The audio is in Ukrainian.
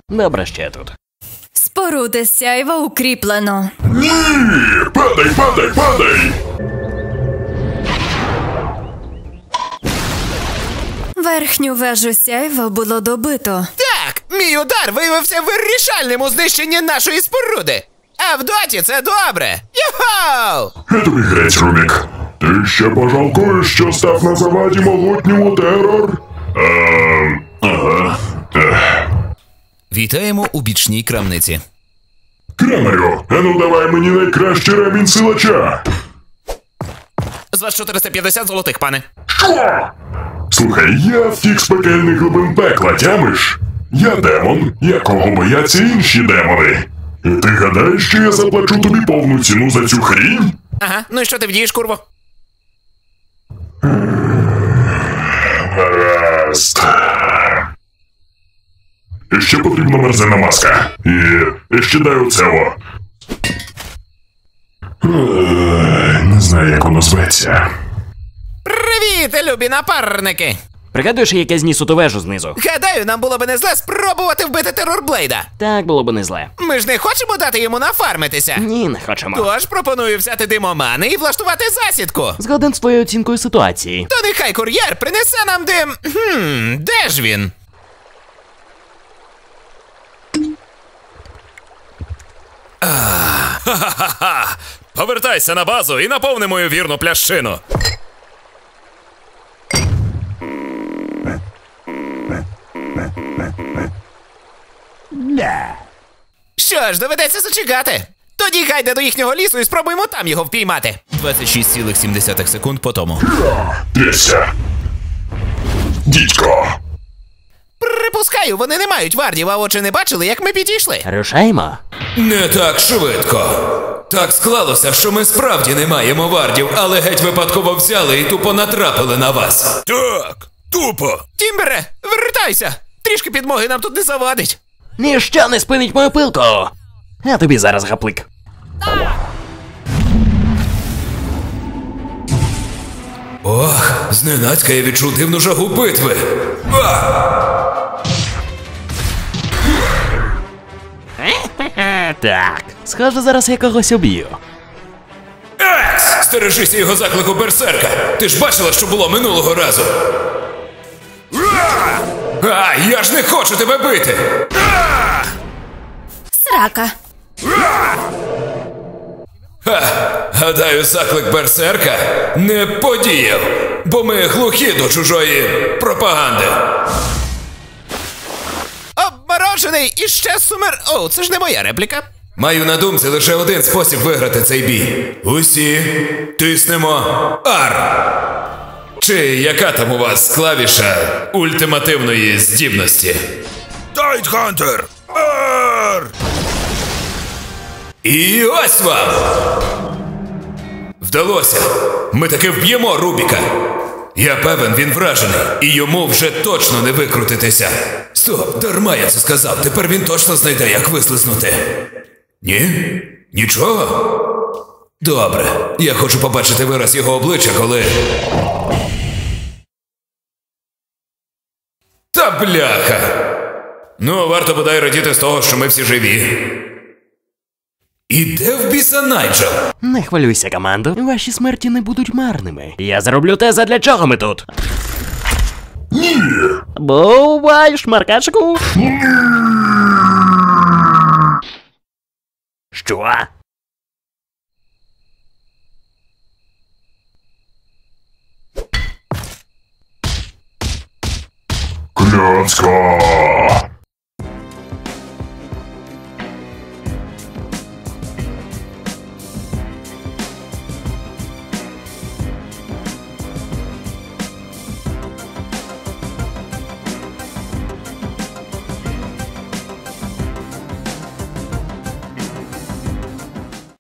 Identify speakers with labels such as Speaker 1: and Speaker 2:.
Speaker 1: Добре, ще тут.
Speaker 2: Споруди сяйва укріплено.
Speaker 3: Ні! Падай, падай, падай!
Speaker 2: Верхню вежу сяйва було добито.
Speaker 4: Так, мій удар виявився вирішальним у знищенні нашої споруди. А в доті це добре. Йохоу!
Speaker 3: Я тобі грець, Рубік. Ти ще пожалкуєш, що став на заваді могутньому терор? Ага.
Speaker 4: Вітаємо у бічній крамниці.
Speaker 3: Крамарю, ану давай мені найкращий ремінь силача.
Speaker 4: З вас 450 золотих, пане.
Speaker 3: Що? Слухай, я втік з пекельних глибин пекла, тямиш? Я демон, якого бояться інші демони. І ти гадаєш, що я заплачу тобі повну ціну за цю хрінь?
Speaker 4: Ага, ну і що ти вдієш, курво?
Speaker 3: Гаразд. І ще потрібна мерзена маска. І ще дай оцево. Не знаю, як воно зветься.
Speaker 4: Привіт, любі напарники!
Speaker 1: Пригадуєш, як я зніс ту вежу знизу?
Speaker 4: Гадаю, нам було би не зле спробувати вбити терорблейда.
Speaker 1: Так було б не зле.
Speaker 4: Ми ж не хочемо дати йому нафармитися.
Speaker 1: Ні, не хочемо.
Speaker 4: Тож пропоную взяти димомани і влаштувати засідку.
Speaker 1: Згоден з твоєю оцінкою ситуації.
Speaker 4: То нехай кур'єр принесе нам дим. Де ж він?
Speaker 5: Ха-ха-ха! Повертайся на базу і наповни мою вірну плящину.
Speaker 4: Що ж, доведеться зачекати. Тоді гайде до їхнього лісу і спробуємо там його впіймати. 26,7 секунд по тому.
Speaker 3: Трясся. Дідько.
Speaker 4: Припускаю, вони не мають вардів, а очі не бачили, як ми підійшли.
Speaker 1: Рушаймо.
Speaker 6: Не так швидко. Так склалося, що ми справді не маємо вардів, але геть випадково взяли і тупо натрапили на вас.
Speaker 5: Так, тупо.
Speaker 4: Тімбере, вертайся! Трішки підмоги нам тут не завадить.
Speaker 1: Ніщо не спинить мою пилку. А тобі зараз гаплик.
Speaker 6: Ох, зненацька я відчув дивну жагу битви.
Speaker 1: Так, схоже, зараз я когось об'ю.
Speaker 6: Екс! Стережися його заклику берсерка. Ти ж бачила, що було минулого разу. А, я ж не хочу тебе бити!
Speaker 2: Срака.
Speaker 6: Гадаю, заклик берсерка не подіяв, бо ми глухі до чужої пропаганди.
Speaker 4: Обморожений і ще сумер... О, це ж не моя репліка.
Speaker 6: Маю на думці лише один спосіб виграти цей бій. Усі тиснемо R. Чи яка там у вас клавіша ультимативної здібності?
Speaker 5: Тайтхантер! Ар!
Speaker 6: І ось вам! Вдалося! Ми таки вб'ємо Рубіка! Я певен, він вражений, і йому вже точно не викрутитися. Стоп, дарма я це сказав, тепер він точно знайде, як вислизнути. Ні? Нічого? Добре, я хочу побачити вираз його обличчя, коли... Та бляха! Ну, варто бодай радіти з того, що ми всі живі. І де в біса Найджел?
Speaker 1: Не хвилюйся, командо. Ваші смерті не будуть марними. Я зроблю те, задля чого ми тут.
Speaker 3: Ні!
Speaker 1: Бувай, шмаркачку. Що?
Speaker 3: Кльоцко!